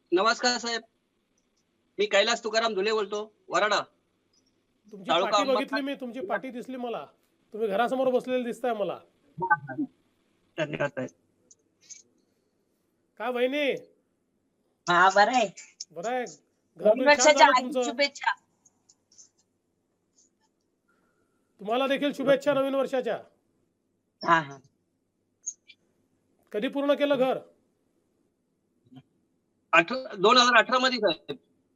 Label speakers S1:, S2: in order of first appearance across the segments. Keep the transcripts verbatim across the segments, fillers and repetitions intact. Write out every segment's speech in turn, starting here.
S1: नमस्कार साहेब. मी कैलास तुकाराम धुले बोलतो, वराडा.
S2: तुमची
S1: तालुका
S2: पाठी
S1: अंबरनाथ.
S2: बघितली मी, तुमची पाठी दिसली मला. तुम्ही घरासमोर बसलेले दिसताय मला.
S1: धन्यवाद साहेब.
S2: काय वहिनी,
S3: हा बरं आहे.
S2: बरं आहे? घर
S3: नवीन
S2: बीर छान
S3: वर्षाच्या
S2: झालं
S3: हार्दिक
S2: तुमचं.
S3: शुभेच्छा.
S2: तुम्हाला देखील शुभेच्छा नवीन वर्षाच्या.
S3: हा हा
S2: कधी पूर्ण केलं घर?
S1: अठरा दोन हजार अठरा मध्ये साहेब.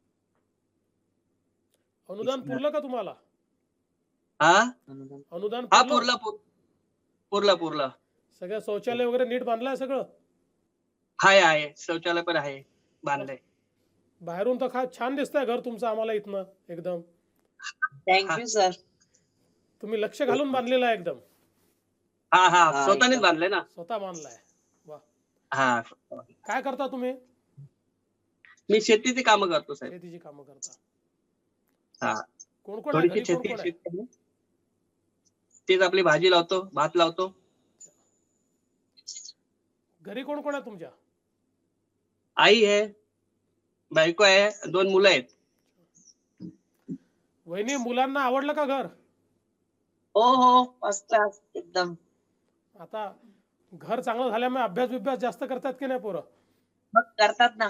S2: अनुदान पुरलं का तुम्हाला?
S1: हा
S2: अनुदान
S1: हा
S2: पुरलं?
S1: पुरला पुर- पुरला पुरला.
S2: सगळं शौचालय वगैरे नीट बांधलंय सगळं?
S1: आहे आहे शौचालय पण आहे, बांधलंय.
S2: बाहेरून तर खा छान दिसतंय घर तुमचं आम्हाला इथनं एकदम.
S3: Thank you sir.
S2: तुम्ही लक्ष घालून बांधलेलं आहे एकदम.
S1: हा हा
S3: हा,
S1: स्वतःनेच
S3: एकदम.
S1: बांधलंय ना.
S2: स्वतः बांधलाय. वा.
S1: हा
S2: काय करता तुम्ही?
S1: मी शेतीची कामं करतो साहेब.
S2: शेतीची कामं करता.
S1: हा
S2: कोण कोण आहे घरी?
S1: थोडीशी
S2: कोण
S1: शेती
S2: कोण आहे?
S1: शेती आहे. तेच आपली भाजी लावतो, भात लावतो.
S2: घरी कोण कोण आहे तुमच्या?
S1: आई आहे, बायको आहे, दोन मुलं आहेत.
S2: वहिनी, मुलांना आवडलं का घर?
S3: हो हो फर्स्ट क्लास एकदम.
S2: आता घर चांगलं झाल्यामुळे अभ्यास बिभ्यास जास्त करतात की नाही पोरं?
S3: मग करतात ना.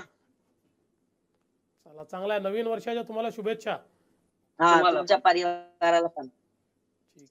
S2: चला चांगला आहे. नवीन वर्षाच्या तुम्हाला शुभेच्छा.
S3: हा
S1: तुम्हाला
S3: तुमच्या परिवाराला पण.